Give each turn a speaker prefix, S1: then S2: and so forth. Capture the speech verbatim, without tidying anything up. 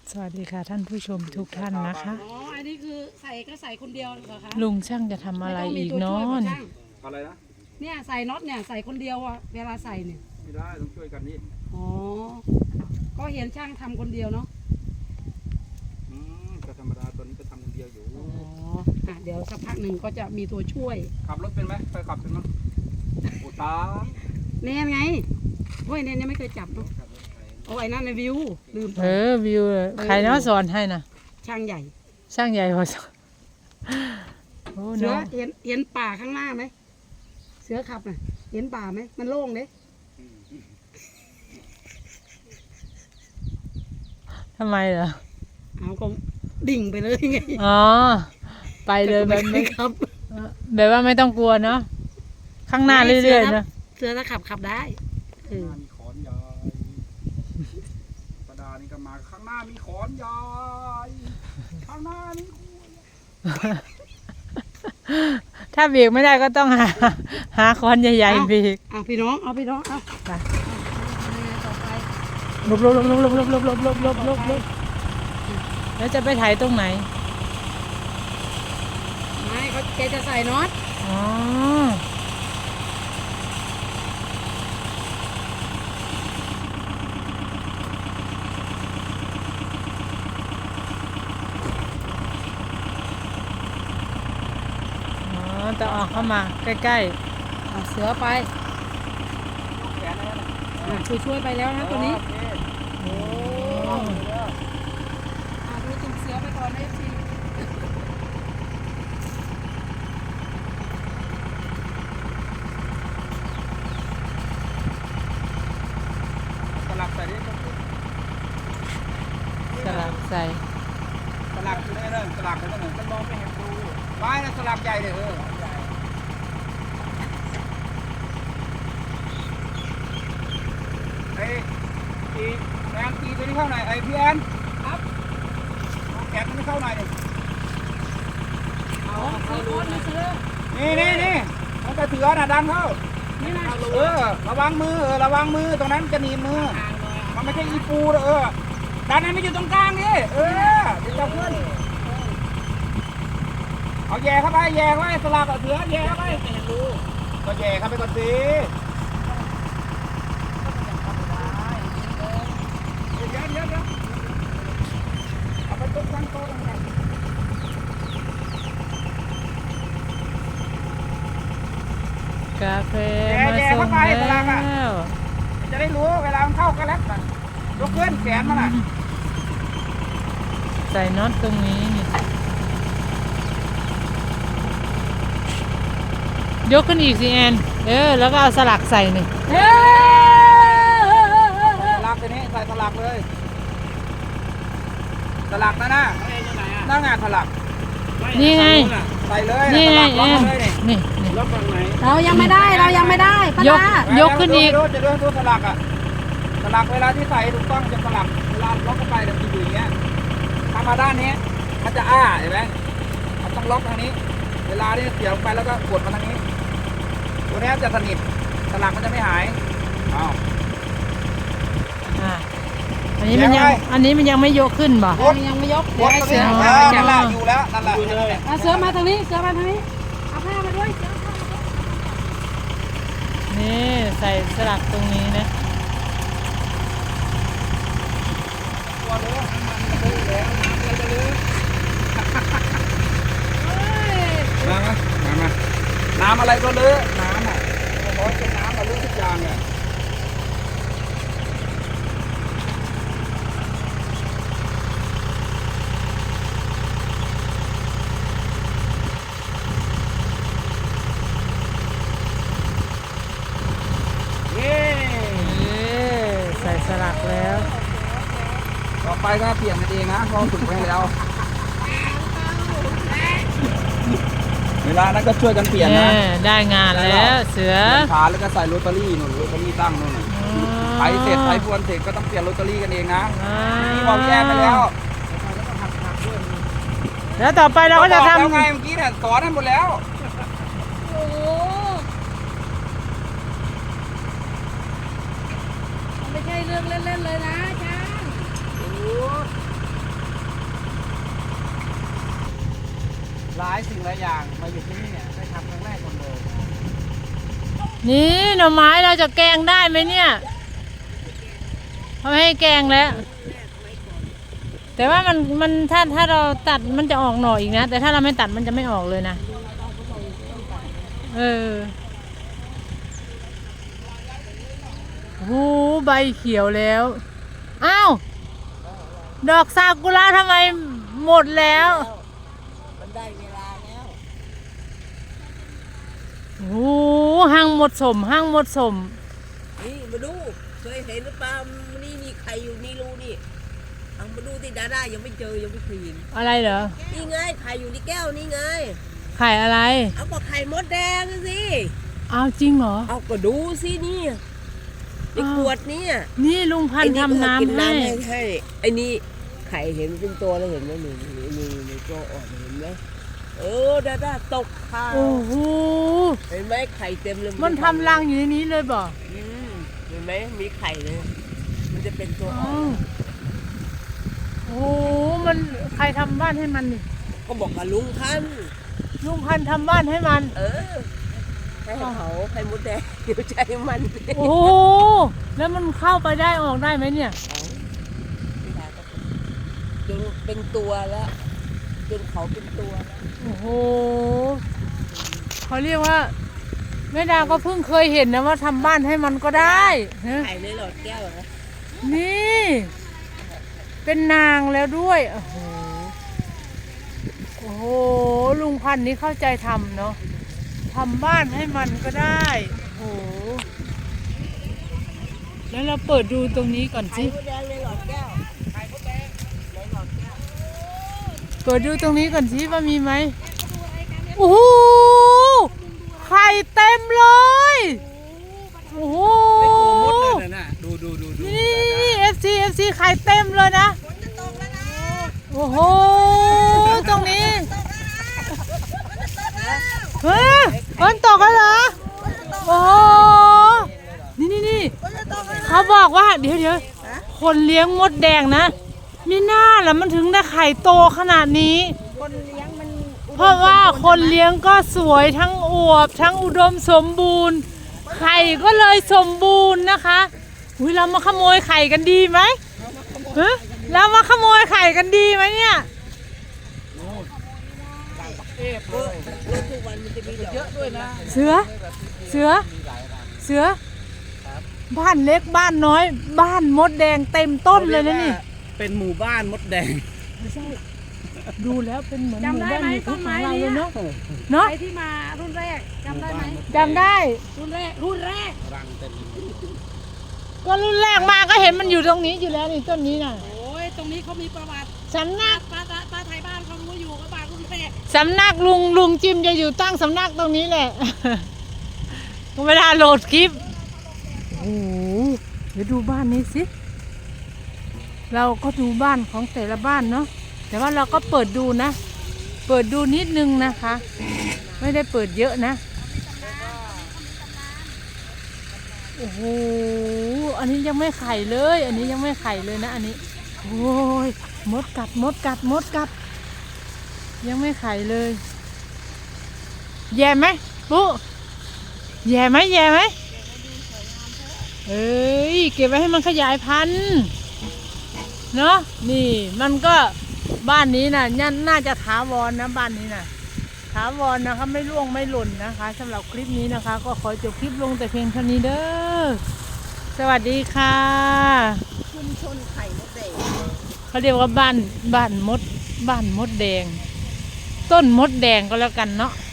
S1: สวัสดีค่ะท่านผู้ชมทุกท่านนะคะ
S2: อ๋อ อันนี้คือใส่ก็ใส่คนเดียวเหรอคะ
S1: ลุงช่างจะทำอะไรอีกเนาะ
S2: ไม่ต้งมีตัวช่วย
S1: นี่
S2: ช่าง
S3: อะไรนะ
S2: เนี่ยใส่น็อตเนี่ยใส่คนเดียวอ่ะเวลาใส่เนี่ย
S3: ไม่ได้ต้องช่วยกันนี่
S2: อ๋อ ก็เห็นช่างทำคนเดียวเนาะ
S3: อืมก็ธรรมดาตัวนี้ก็ทำคนเดียวอยู่
S2: อ๋อ อ่ะเดี๋ยวสักพักหนึ่งก็จะมีตัวช่วย
S3: ขับรถเป็นไหมเคยขับเป็นมั้ยโอ้ตา
S2: เนี่ยไงเฮ้ยเนี่ยยังไม่เคยจับเนาะเอาไอ้นั่นในวิวลืมไป
S1: เออวิวเลยใครเนาะสอนให้นะ
S2: ช่างใหญ่
S1: ช่างใหญ่พอสอนโอ้
S2: เสือ
S1: เนาะ
S2: เห็นเห็นป่าข้างหน้าไหม เสือขับน่ะ เห็นป่าไหม มันโล่งเด้
S1: ทำไมเหรอ
S2: เอาก็ดิ่งไปเลยไง
S1: อ๋อไปเลยแบบไม่
S2: ครับ
S1: แบบว่าไม่ต้องกลัวเนาะข้างหน้าเรื่อยๆนะ
S2: เสือถ้าขับขับได้เออ
S3: ข้างหน้ามีขอนใหญ่ประดานี่ก็มาข้างหน้ามีขอนใหญ่ข้างหน้ามีขอน
S1: ถ้าเบรกไม่ได้ก็ต้องหาหาคอนใหญ่ๆเบรก
S2: เอาพี่น้อง เอาพี่น้อง เอา
S1: ไป
S2: ยังไงต่อไป
S1: ลบลบลบลบลบลบลบลบลบลบลบลบแล้วจะไปถ่ายตรงไหน
S2: ไม่เขาแกจะใส่น็อต
S1: อ๋ออ๋อจะออกเข้ามาใกล้
S2: เอาเสือไป
S3: แขนอะไรนะ
S2: อ่ะช่วยช่วยๆไปแล้วนะตัวนี้
S3: โอเค
S1: ๆโอ้
S2: อ่ะดูตุ่มเสือไปก่อนนะพี่
S3: สลักใส่ดิ
S1: สลับใส่
S3: สลักอยู่ได้เลยสลักอยู่ได้เลยมันมองไม่เห็นรูไม้นะสลักใหญ่เลยเออไอ้ตีแอนตีตัวนี้เข้าหน่อยไอ้พี่แอนครับเอาแขนตัวนี้เข้าหน่อยดิ
S2: เอาเสือก้นนะเสือ
S3: นี่นี่นี่มันจะเถือน่ะดันเข้า
S2: นี่นะ
S3: เออระวังมือเออระวังมือตรงนั้นจะหนีบมือ มันไม่ใช่อีปูนะเออดันให้มันอยู่ตรงกลางนี่เออเดี๋ยวจะขึ้นเอาแย่เข้าไปแย่เข้าไปสลักเอาเถือแย่เข้าไปก็แย่เข้าไปก่อนสิเดี๋ยวเดี๋ยวเดี๋ยวเอาไปตรงตั้งโต๊ะตรงนั้น
S1: กาแฟมาส่งแล้ว
S3: จะได้รู้เวลามันเข้ากันแล้วยกขึ้นแขนมันอ่ะ
S1: ใส่น็อตตรงนี้นี่ยกขึ้นอีกสิแอนเออแล้วก็เอาสลักใส่นี่
S2: เฮ้ย
S3: สลักตัวนี้ใส่สลักเลยสลักนะนะหน้างานสลัก
S1: นี่ไง
S3: ใส่เลย
S1: นี่ไง
S3: สลัก
S1: แอ
S3: ล็อก
S1: น
S3: เลยนี่
S1: นี่นี่
S3: ล็อกฝั่งไหน
S2: เรายังไม่ได้ เรายังไม่ได้ป้าย
S1: ก
S2: ดาย
S1: กขึ้นอีก
S3: ดูจะดูดูสลักอ่ะสลักเวลาที่ใส่ถูกต้องจะสลักเวลาล็อกเข้าไปจะอยู่อย่างเงี้ยทำมาด้านนี้มันจะอ้าเห็นไหมมันต้องล็อกทางนี้ เวลาที่เสียบลงไปแล้วก็กดมาทางนี้ ตัวนี้จะสนิทสลักมันจะไม่หายอ้าว
S1: อ่ะอันนี้มันยัง
S3: ยังไง
S1: อันนี้มันยังไม่ยกขึ้นบ่
S2: เรายังไม่ยก
S3: ก
S2: เดี๋ยว
S3: ด
S2: ให้
S3: ตรง
S2: เสื
S3: นี้
S2: อ
S3: เอ
S2: เอา
S3: อ
S2: ไปจั
S3: นั่
S2: บ
S3: นแหละอยู่แล้วนั่นแหละ
S2: อ่ะเสือมาทางนี้ เสือมาทางนี้ เอาผ้ามาด้วยเสือเอาผ้ามาด้วย
S1: นี่ใส่สลักตรงนี้นะ
S3: ตัวเลือน้ำมันจะเลอะแล้วน้ำอะไรจะเลอะมามามามาน้ำอะไรก็เลอะน้ำอ่ะร้อนเป็นน้ำมาเลอะทุกอย่างเนี่ยเย้
S1: เออใส่สลักแล้ว
S3: ต่อไปก็เปลี่ยนกันเองนะเพราะฝึกไว้ให้แล้ว เวลานั้นก็ช่วยกันเปลี่ยนนะ
S1: แน่ได้งานแล้วเสือ
S3: เปลี่ยนขาแล้วก็ใส่โรตารี่หนุนโรตารี่ตั้งนู่นน่ะไถเสร็จไถพรวนเสร็จก็ต้องเปลี่ยนโรตารี่กันเองนะ
S1: อ่า
S3: นี่บอกแยกไปแล้ว
S1: แล้วต่อไปเราก็จะ
S3: บอก
S1: ทำ
S3: แล้วไงเมื่อกี้เนี่ยสอนให้หมดแล้ว
S2: โอ้โหมันไม่ใช่เรื่องเล่นๆเลยนะอาจารย์
S3: ายสิ่งหลายอย่างมาอยู่ที่นี่เนี่ยได้ทำครั้งแรกหมดเลย
S1: นี่หน่อไม้เราจะแกงได้ไหมเนี่ยเขาไม่ให้แกงแล้ว แต่ว่ามันมันถ้าถ้าเราตัดมันจะออกหน่ออีกนะ แต่ถ้าเราไม่ตัดมันจะไม่ออกเลยนะเออโอ้ใบเขียวแล้วอ้าวดอกซากุระทำไมหมดแล้วมันได้เวลาแล้วโอ้ห้างหมดสมห้างหมดสม
S4: นี่มาดูเคยเห็นหรือเปล่านี่มีใครอยู่นี่รู้นี่เอามาดูที่ดาด้ายังไม่เจอยังไม่เคยเห็น
S1: อะไรเหรอ
S4: นี่ไงไข่อยู่ในแก้วนี่ไง
S1: ไข่อะไร
S4: เอาก็ไข่มดแดงสิ
S1: เอาจริงเหรอ
S4: เอาก็ดูสินี่ในขวดนี่
S1: นี่ลุงพันธุ์ทำน้ำให้
S4: ให้ไอ้นี่ไข่เห็นเป็นตัวแล้วเห็นไหมนี่นี่นี่ตัวอ่อนเห็นไหมเออดาด้าตกข่าว
S1: โอ้โห
S4: เห็นไหมไข่เต็มเลย
S1: มันทำรังอยู่ในนี้เลยบ่
S4: เห็นไหมมีไข่เลยมันจะเป็นตัวอ่อน
S1: โอ้มันใครทำบ้านให้มันนี่
S4: ก็บอกกับลุงพันธุ์
S1: ลุงพันธุ์ทำบ้านให้มัน
S4: เออให้เขาไข่มดแดงเดี๋ยวใจมัน
S1: โอ้แล้วมันเข้าไปได้ออกได้ไหมเนี่ย
S4: จนเป็นตัวแล้วจนเขาเป็นตัว
S1: โอ้โหเขาเรียกว่าแม่ดาก็เพิ่งเคยเห็นนะว่าทำบ้านให้มันก็ได้
S4: ไข่ในหลอดแก้วเหรอ
S1: นี่เป็นนางแล้วด้วยโอ้โหโอ้โหลุงพันธุ์นี้เข้าใจทำเนาะทำบ้านให้มันก็ได้โอ้โหแล้วเราเปิดดูตรงนี้ก่อนสิ
S4: ไข่มดแดงในหลอดแก้วไข่มดแดงในหลอดแก้ว
S1: เปิดดูตรงนี้ก่อนสิว่ามีไหมโอ้โหไข่เต็มเลยโอ้โห
S3: ไม่กลัวมดเลยนะดูดูดูดู
S1: นี่เอฟซีเอฟซีไข่เต็มเลยนะโอ้โหตรงนี้เฮ้ยฝนตกแล้วเหรอโอ้โหนี่นี่นี่เขาบอกว่าเดี๋ยวเดี๋ยวคนเลี้ยงมดแดงนะมีหน้าแล้วมันถึงได้ไข่โตขนาดนี้
S2: คนเลี้ยงมัน
S1: เพราะว่าคนเลี้ยงก็สวยทั้งอวบทั้งอุดมสมบูรณ์ไข่ก็เลยสมบูรณ์นะคะอุ้ยเรามาขโมยไข่กันดีไหมฮะเรามาขโมยไข่กันดีไหมเนี่ย
S4: รถทุกวันมันจะมีเยอะด้วยนะ
S1: เสือเสือเสือบ้านเล็กบ้านน้อยบ้านมดแดงเต็มต้นเลยนะนี่
S3: เป็นหมู่บ้านมดแดง
S1: ไม่ใช่ดูแล้วเป็นเหมือนหมู่บ้านหมู่ของเราเลยเนาะ
S2: เนาะใครที่มารุ่นแรกจำได้ไหม
S1: จำได้
S2: รุ่นแรกรุ่นแรก
S3: รังเต็ม
S1: ก็รุ่นแรกมาก็เห็นมันอยู่ตรงนี้อยู่แล้วนี่ต้นนี้น่ะ
S2: โอ้ยตรงนี้เขามีประวัติ
S1: สำนัก
S2: ป้าป้าป้าไทยบ้านเขารู้อยู่กับบ้านรุ่นแรก
S1: สำนักลุงลุงจิมจะอยู่ตั้งสำนักตรงนี้แหละเวลาโหลดคลิปโอ้โหเดี๋ยวดูบ้านนี้สิเราก็ดูบ้านของแต่ละบ้านเนาะแต่ว่าเราก็เปิดดูนะเปิดดูนิดนึงนะคะไม่ได้เปิดเยอะนะโอ้โหอันนี้ยังไม่ไข่เลยอันนี้ยังไม่ไข่เลยนะอันนี้โอ้ยมดกัดมดกัดมดกัดยังไม่ไข่เลยแย่ไหมปุ๊แย่ไหมแย่ไหมเอ้ยเก็บไว้ให้มันขยายพันธุ์เนาะนี่มันก็บ้านนี้นะ่ะน่าจะถาวรนะบ้านนี้นะ่ะถาวรนะคะไม่ร่วงไม่หล่นนะคะสำหรับคลิปนี้นะคะก็ขอจบคลิปลงแต่เพียงเท่านี้เด้อสวัสดีค่ะ
S4: ชุมชนไข่มดแดง
S1: เขาเรียกว่าบ้านบ้านมดบ้านมดแดงต้นมดแดงก็แล้วกันเนาะ